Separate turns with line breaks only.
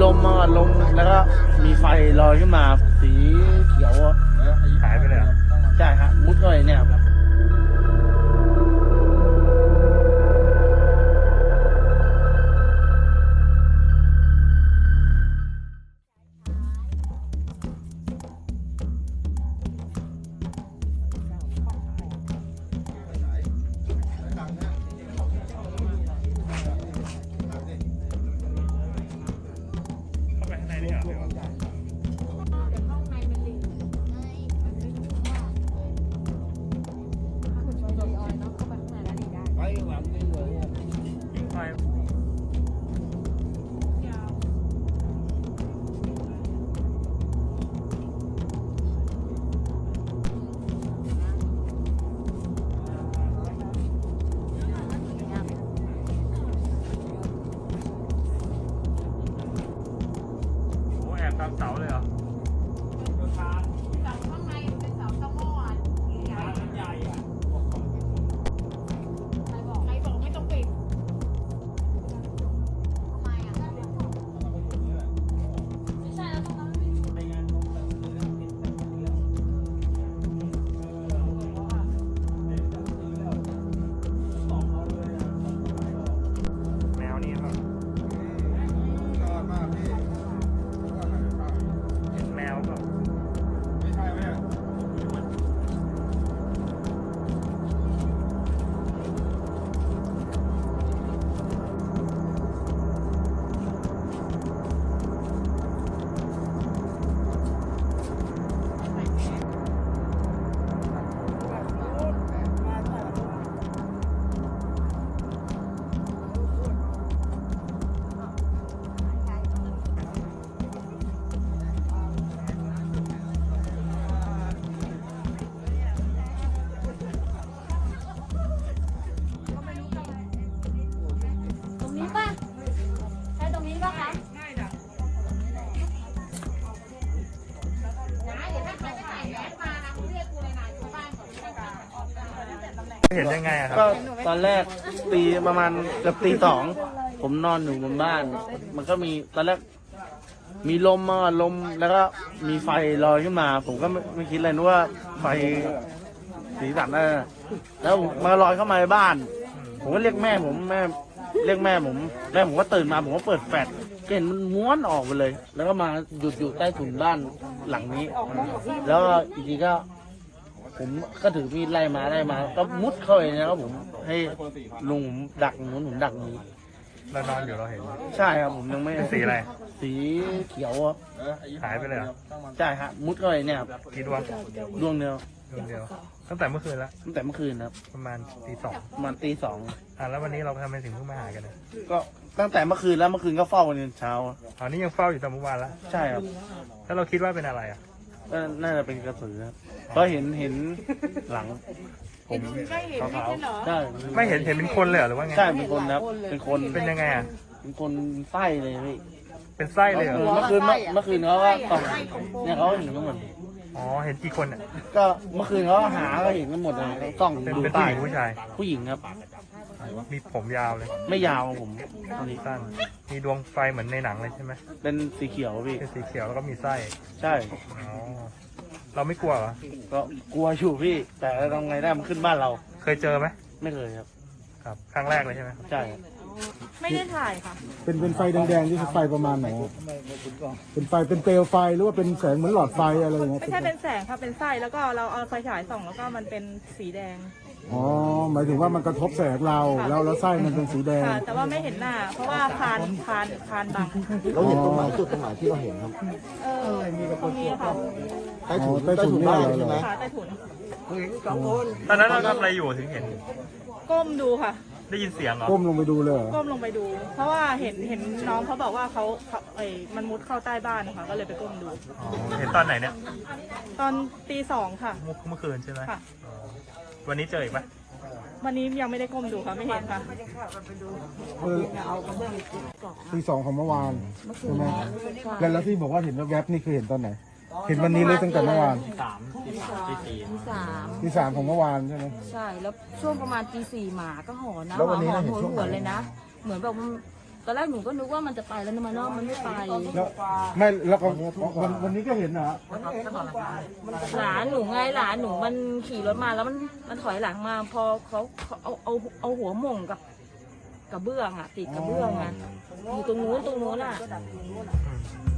มมาลมแล้วก็มีไฟลอยขึ้นมาสีเขียวอะ
หายไปเลยเหรอ
ใช่ฮะมุดเข้าไปเนี่ยครับ
เข้าไปข้างในนี่เหรอ ยิงไฟโอ้แอบตามเสาเลยเหรอแมวนี่ครับเห็นแมวเปล่า
ตรงนี้ป่ะใช่ตรงนี้ป่ะคะใช่จ้ะนะเดี๋ยวถ้าใครไม่ใส่แมสมานะเรียกกูเลยนะอยู่บ้านก่อน
เห็นยังไงอะครับ
ก็ตอนแรกตีประมาณเกือบตีสองผมนอนอยู่บนบ้าน มันก็มีตอนแรกมีลมมาลมแล้วก็มีไฟลอยขึ้นมา ผมก็ไม่คิดเลยนึกว่าไฟสีสันนั่นน่ะแล้วมาลอยเข้ามาในบ้าน ผมก็เรียกแม่ผมเรียกแม่ผมก็ตื่นมาผมก็เปิดแฟลชก็เห็นมันม้วนออกไปเลย แล้วก็มาหยุดอยู่ใต้ถุนบ้านหลังนี้ แล้วก็อีกทีก็ ผมก็ถือมีดไล่มาก็มุดเข้าไปนะครับผมให้ลุงผมดักนู้นผมดักนี้
เรานอนอยู่เราเห็น
ใช่ครับผมยังไม่
เป็นสีอะไร
สีเขียวอะ
หายไปเลยเหรอ
ใช่ฮะมุดเข้าไปเนี่ยครับ
กี่ดวง
ดวงเดียว
ดวงเดียว ตั้งแต่เมื่อคืนแล้ว
ตั้งแต่เมื่อคืนครับ
ประมาณตีสอง
ประมาณตีสอง
แล้ววันนี้เราทำไมถึงเพิ่งมาหากันเนี่ย
ก็ตั้งแต่เมื่อคืนแล้วเมื่อคืนก็เฝ้ากันจนเช้า
อ๋อนี่ยังเฝ้าอยู่ตอนเมื่อวานแล้ว
ใช่ครับ
แล้วเราคิดว่าเป็นอะไรอ่ะ
ก็น่าจะเป็นกระสือครับเพราะเห็นหลังผมขาวๆใช่
ไม่เห็นเป็นคนเลยเหรอหรือว่าไง
ใช่เป็นคนครับเป็นคน
เป็นยังไงอ่ะ
เป็นคนไส้เลยพี่
เป็นไส้เลยเหรอ
เมื่อคืนเขาก็ส่องเนี่ยเขาเห็นกันหมด
อ๋อ เห็นกี่คนอ่ะ
ก็เมื่อคืนเขาหาก็เห็นกันหมดเลยเขาส่อง
เป็น
ดู
ผู้
ใต้
หญิงผู้ชาย
ผู้หญิงครับ
มีผมยาวเลย
ไม่ยาวผมตอนนี้
สั้น มีดวงไฟเหมือนในหนังเลยใช่ไหม
เป็นสีเขียวพี่
เป็นสีเขียวแล้วก็มีไส้
ใช่
อ๋อ เราไม่กลัวเหรอ
ก็กลัวอยู่พี่ แต่ทำไงได้มันขึ้นบ้านเรา
เคยเจอไหม
ไม่เคยครับ
ครับ ครั้งแรกเลยใช่ไหม
ใช่ครับ
ไม่ได้ถ่ายค่ะ
เป็นไฟแดงๆนี่คือไฟประมาณไหนครับเป็นไฟเป็นเปลวไฟหรือว่าเป็นแสงเหมือนหลอดไฟอะไรอย่างเงี้ย
ไม่ใช่เป็นแสงค่ะเป็นไส้แล้วก็เราเอาไฟฉายส่องแล้วก็มันเป็นสีแดง
อ๋อหมายถึงว่ามันกระทบแสงเราแล้วไส้มันเป็นสีแดง
ค่ะ แต่ว่าไม่เห็นหน้า เพราะว่าพานบัง
เราเห็นตรงไหนจุดตรงไหนที่เราเห็นครับ
ตรงนี้ค่ะ
ใต้ถุน
ใต้ถุน
บ้าน
นี่เหรอ
ใช่ไหม
ขาใต้ถุน
ตอนนั้นเราทำอะไรอยู่ถึงเห็น
ก้มดูค่ะ
ได้ยินเสียงเหรอ
ก้มลงไปดูเลยเหรอ
ก้มลงไปดู เพราะว่าเห็นน้องเขาบอกว่าเขามันมุดเข้าใต้บ้านนะคะก็เลยไปก้มดู
อ๋อ เห็นตอนไหนเนี่ย
ตอนตีสองค่ะ
เมื่อคืนใช่ไหม
ค่ะ
อ๋อวันนี้เจออีกไหม
วันนี้ยังไม่ได้ก้มดูค่ะไม่เห็นค่ะ
คือตี2ของเมื่อวานใช่ไหมแล้วที่บอกว่าเห็นแวบๆนี่คือเห็นตอนไหน เห็นวันนี้เลยตั้งแต่เมื่อวาน
ตีสาม
ตี 3ของเมื่อวานใช่ไหม
ใช่แล้วช่วงประมาณตี 4หมาก็หอนนะ
แล้ววันนี้
หอน
เราเห็น
โหย
ช่วง
ห
ไหน
วนเลยนะ เหมือนแบบมัน
ตอนแรกหนูก็นึกว่ามันจะไปแล้วนะมันเนาะมันไม่ไป
แล้วไม่แล้วก็วันนี้ก็เห็นนะ
หลานหนูไงหลานหนูมันขี่รถมาแล้วมันถอยหลังมาพอเขาเอาหัวหม่งกับเบื้องอ่ะติดกับเบื้องอ่ะอยู่ตรงนู้นอ่ะ
อืม